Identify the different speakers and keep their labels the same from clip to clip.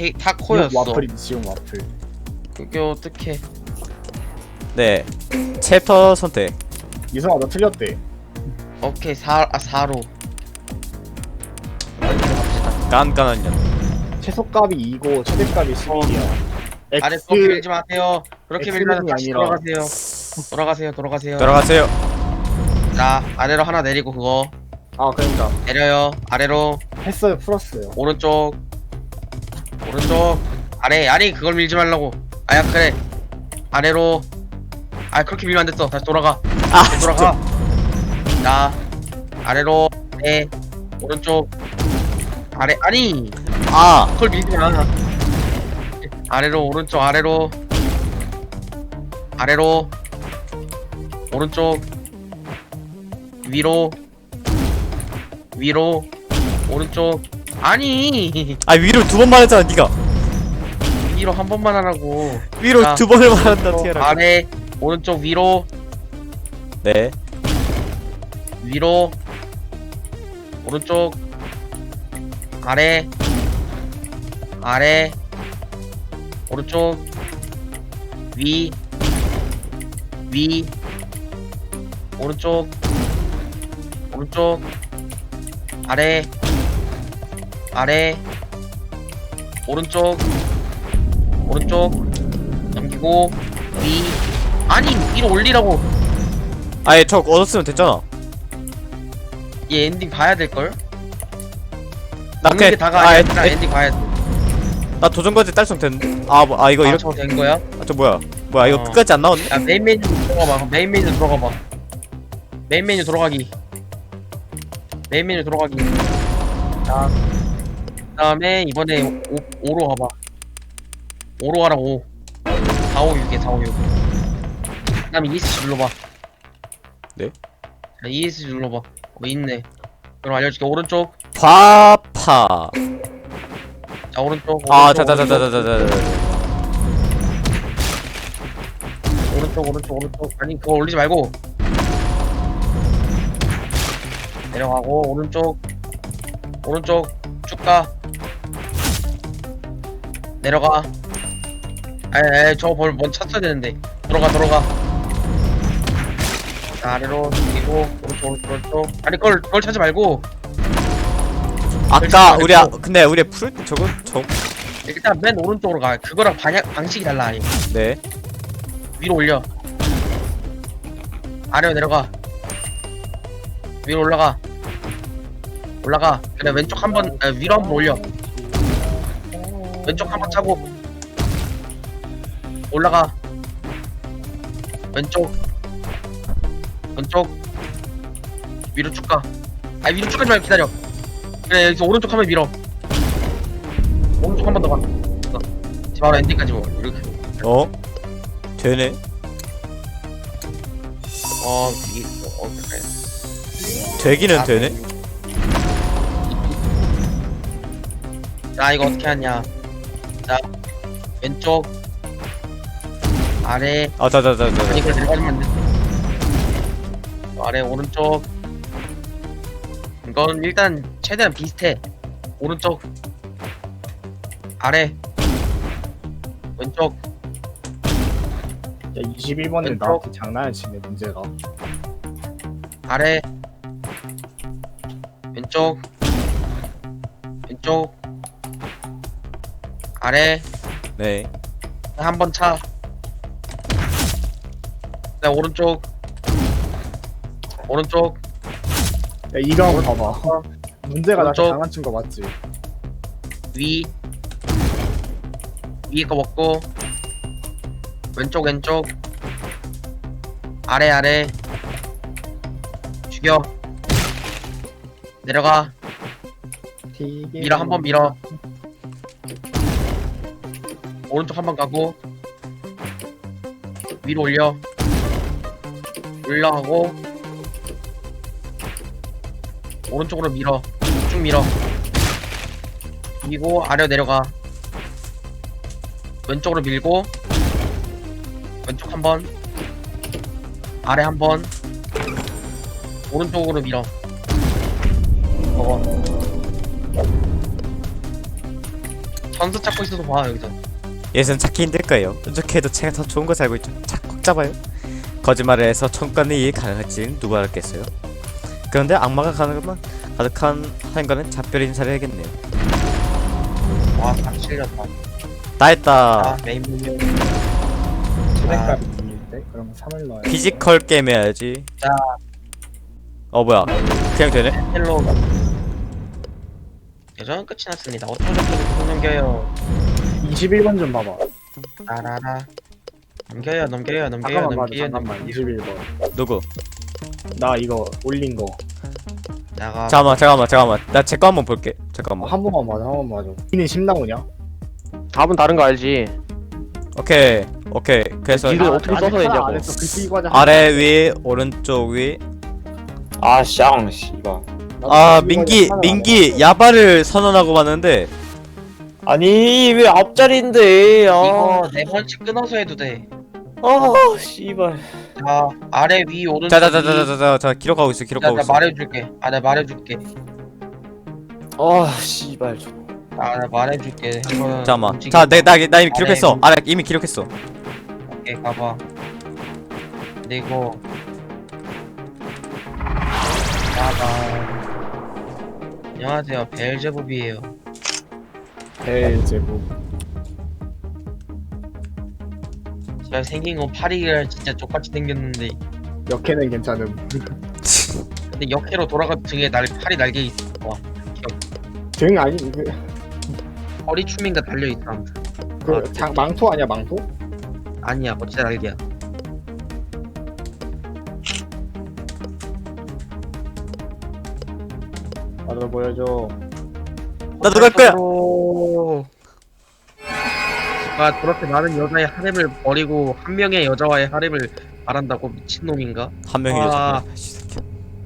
Speaker 1: 타코였어.
Speaker 2: 와플이지 지금 와플.
Speaker 1: 그게 어떡해.
Speaker 3: 네. 챕터 선택.
Speaker 2: 이성아 너 틀렸대.
Speaker 1: 오케이 4로 갑시다.
Speaker 3: 깐깐한 년.
Speaker 2: 최소값이 2고 최대값이 11이야.
Speaker 1: 아래 그렇게 밀지 마세요. 그렇게 밀면 다시
Speaker 2: 아니라.
Speaker 1: 돌아가세요.
Speaker 3: 돌아가세요.
Speaker 1: 자 아래로 하나 내리고 그거
Speaker 2: 아 그러니까
Speaker 1: 내려요. 아래로
Speaker 2: 했어요 풀었어요.
Speaker 1: 오른쪽 아래. 아니 그걸 밀지 말라고. 아야 그래 아래로. 아 그렇게 밀면 안 됐어. 다시 돌아가.
Speaker 3: 아,
Speaker 1: 돌아가. 자 아래로. 네 오른쪽 아래. 아니
Speaker 3: 아,
Speaker 1: 그걸 밀지 마. 아래로 오른쪽 아래로 오른쪽 위로 오른쪽. 아니
Speaker 3: 아 위로 두 번 말했잖아, 네가.
Speaker 1: 위로 한 번만 하라고.
Speaker 3: 위로
Speaker 1: 자,
Speaker 3: 두 번을 말한다, 티아라.
Speaker 1: 아래 오른쪽 위로
Speaker 3: 네.
Speaker 1: 위로 오른쪽 아래 오른쪽 위 오른쪽 아래 오른쪽 넘기고 위. 아니 위로 올리라고.
Speaker 3: 아예 저 얻었으면 됐잖아.
Speaker 1: 얘 엔딩 봐야 될걸?
Speaker 3: 나
Speaker 1: 먹는 게
Speaker 3: 그냥
Speaker 1: 다가 아니라 엔딩 봐야 돼.
Speaker 3: 나 도전까지 딸성 됐는데. 이거 이렇게.
Speaker 1: 저거 된 거야?
Speaker 3: 저 뭐야 이거
Speaker 1: 어.
Speaker 3: 끝까지 안 나왔네.
Speaker 1: 야 메인 메뉴 들어가봐. 메인 메뉴 들어가기. 자 그다음에 이번에 5로 가봐. 5로 가라 5. 456에 456. 그다음에 ESC 눌러봐.
Speaker 3: 네?
Speaker 1: 자, ESC 눌러봐. 있네. 그럼 알려줄게. 오른쪽.
Speaker 3: 과파.
Speaker 1: 자 오른쪽.
Speaker 3: 자자자자자자자.
Speaker 1: 오른쪽. 아니 그거 올리지 말고. 내려가고 오른쪽 쭉 가. 내려가. 에이 저거 먼저 찼어야 되는데. 들어가. 자 아래로 그리고 오른쪽. 아니 그걸 찾지 말고.
Speaker 3: 아까 근데 우리 풀 저거
Speaker 1: 일단 맨 오른쪽으로 가. 그거랑 방식이 달라. 아니.
Speaker 3: 네.
Speaker 1: 위로 올려. 아래로 내려가. 위로 올라가. 그래 왼쪽 한번 위로 한번 올려. 왼쪽 한번 차고 올라가. 왼쪽 위로 쭉 가. 위로 쭉 가지 말고 기다려. 그래 여기서 오른쪽 한번 밀어. 오른쪽 한 번 더 가. 바로 엔딩까지 뭐 이렇게.
Speaker 3: 되네.
Speaker 1: 이게 그래.
Speaker 3: 되기는 되네.
Speaker 1: 자 이거 어떻게 하냐. 자 왼쪽 아래.
Speaker 3: 자자자자.
Speaker 1: 아니 이걸 내려가면 안 돼. 아래 오른쪽. 이건 일단 최대한 비슷해. 오른쪽 아래 왼쪽.
Speaker 2: 야 21번은
Speaker 1: 왼쪽.
Speaker 2: 나한테 장난치네 문제가.
Speaker 1: 아래 왼쪽 아래.
Speaker 3: 네.
Speaker 1: 한 번 차. 네 오른쪽
Speaker 2: 야 이거 한번 봐봐. 문제가 나한테
Speaker 1: 오른쪽.
Speaker 2: 장난친 거 맞지?
Speaker 1: 위에 거 먹고 왼쪽 아래 죽여. 내려가. 밀어 한 번 밀어. 오른쪽 한 번 가고 위로 올려하고 오른쪽으로 밀어. 쭉 밀어. 그리고 아래로 내려가. 왼쪽으로 밀고 왼쪽 한 번, 아래 한 번, 오른쪽으로 밀어. 전수 찾고 있어서 봐 여기서.
Speaker 3: 얘는 찾기 힘들 거예요. 어떻게 해도 제가 더 좋은 거 살고 있죠. 꼭 잡아요. 거짓말을 해서 천간의 이해 가능할지는 누가 알겠어요. 그런데 악마가 가득한 하인과는 작별 인사를 해야겠네요.
Speaker 1: 와다 실렸다.
Speaker 3: 다 했다.
Speaker 1: 아 메인 메뉴.
Speaker 2: 체력값이 있는데 그러면 3을 넣어야
Speaker 3: 피지컬 게임 해야지.
Speaker 1: 자.
Speaker 3: 뭐야? 그냥 되네?
Speaker 1: 헬로우가. 여전 끝이 났습니다. 어쩌고 저쩌고 넘겨요.
Speaker 2: 21번 좀 봐봐.
Speaker 1: 라라라. 넘겨요 넘겨요 넘겨요
Speaker 2: 잠깐만 봐줘.
Speaker 1: 넘겨요
Speaker 2: 잠깐만.
Speaker 1: 넘겨요.
Speaker 2: 21번.
Speaker 3: 누구?
Speaker 2: 나 이거 올린 거.
Speaker 1: 나가.
Speaker 3: 잠깐만. 나 제 거 한번 볼게. 잠깐만.
Speaker 2: 한 번만 봐줘. 한 번만 봐줘. 이는 10 나오냐?
Speaker 4: 답은 다른 거 알지?
Speaker 3: 오케이. 그래서
Speaker 4: 이거 어떻게 써서 했냐고.
Speaker 2: 안 했어. 글씨 이거 하자.
Speaker 3: 아래 위 오른쪽 위.
Speaker 5: 아, 쌍, 씨발.
Speaker 3: 아 민기 야바를 선언하고 봤는데
Speaker 5: 아니, 왜 앞자리인데, 아.
Speaker 1: 이거 4번씩 끊어서 해도 돼.
Speaker 5: 아, 씨발.
Speaker 1: 자 아래 위 오른쪽.
Speaker 3: 자자자자자 기록하고 있어.
Speaker 1: 나 말해줄게. 아 내가 말해줄게.
Speaker 5: 아, 씨발.
Speaker 1: 아 내가 말해줄게. 한번.
Speaker 3: 잠깐만.
Speaker 1: 움직여.
Speaker 3: 자, 나 이미 기록했어.
Speaker 1: 아래.
Speaker 3: 이미 기록했어.
Speaker 1: 오케이 가봐. 그리고 나가. 안녕하세요 벨제봅이에요.
Speaker 2: 벨제부.
Speaker 1: 제가 생긴 건 파리가 진짜 족같이 생겼는데
Speaker 2: 역해는 괜찮음.
Speaker 1: 근데 역해로 돌아가 등에 팔이 날개 있어. 와
Speaker 2: 등 아니
Speaker 1: 허리 춤인가 달려 있어 아무튼.
Speaker 2: 망토 아니야 망토?
Speaker 1: 아니야 뭐 진짜 날개야.
Speaker 2: 나도 보여줘.
Speaker 3: 나도 갈 거야.
Speaker 1: 아 그렇게 많은 여자의 하렘을 버리고 한 명의 여자와의 하렘을 말한다고 미친놈인가?
Speaker 3: 한 명이
Speaker 1: 와.
Speaker 3: 여자.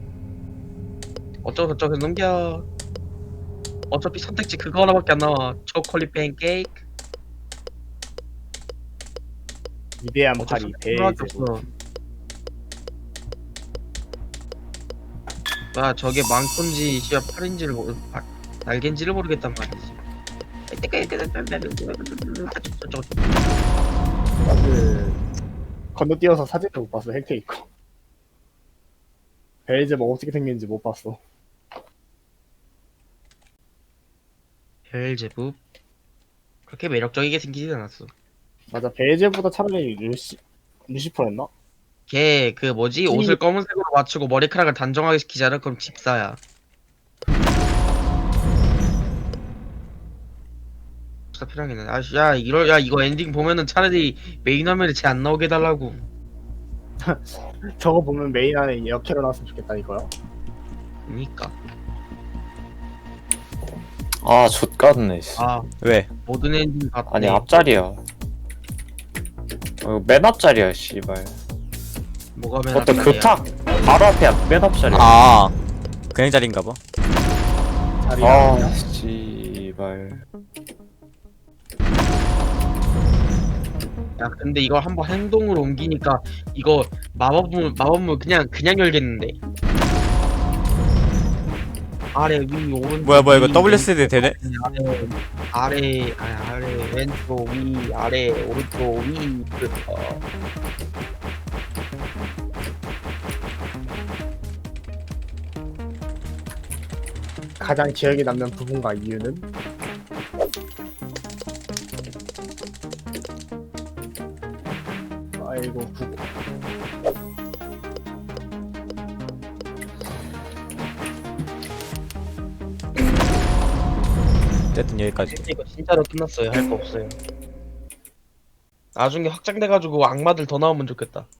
Speaker 1: 어쩌고저쩌고 넘겨. 어차피 선택지 그거 하나밖에 안 나와. 초콜릿 팬케이크.
Speaker 2: 위대한
Speaker 1: 어쩔
Speaker 2: 파리
Speaker 1: 수 하나밖에
Speaker 2: 벨제부.
Speaker 1: 없어. 야 저게 망토인지 씨야 팔인지를 날개인지를 모르겠단 말이지.
Speaker 2: 그 건너뛰어서 사진도 못 봤어. 헬테이커. 벨제부 어떻게 생긴지 못 봤어.
Speaker 1: 벨제부 그렇게 매력적이게 생기진 않았어.
Speaker 2: 맞아. 벨제부보다 차라리 루시퍼였나?
Speaker 1: 걔 그 뭐지 옷을 검은색으로 맞추고 머리카락을 단정하게 시키잖아. 그럼 집사야. 진짜 필요하겠네. 야 이거 엔딩 보면은 차라리 메인 화면에 쟤 안 나오게 해달라고.
Speaker 2: 저거 보면 메인 안에 역캐로 나왔으면 좋겠다 이거야.
Speaker 1: 그니까
Speaker 5: 아, 좆같네, 씨.
Speaker 1: 아
Speaker 3: 왜?
Speaker 1: 모든 엔딩 같네.
Speaker 5: 아니, 앞자리야. 맨 앞자리야, 씨발.
Speaker 1: 뭐가 맨
Speaker 5: 어떤
Speaker 1: 앞자리야?
Speaker 5: 급탁. 바로 앞에 맨 앞자리야.
Speaker 3: 아 그냥 자리인가 봐.
Speaker 2: 자리
Speaker 5: 아, 씨발.
Speaker 1: 야 근데 이거 한번 행동으로 옮기니까 이거 마법문 그냥 열겠는데. 아래 위 오른쪽
Speaker 3: 뭐야 이거
Speaker 1: 위,
Speaker 3: WSD 되네?
Speaker 1: 아래 왼쪽 위 아래 오른쪽 위
Speaker 2: 가장 기억에 남는 부분과 이유는 아이고 구고.
Speaker 3: 어쨌든 여기까지.
Speaker 1: 이거 진짜로 끝났어요. 할 거 없어요. 나중에 확장돼가지고 악마들 더 나오면 좋겠다.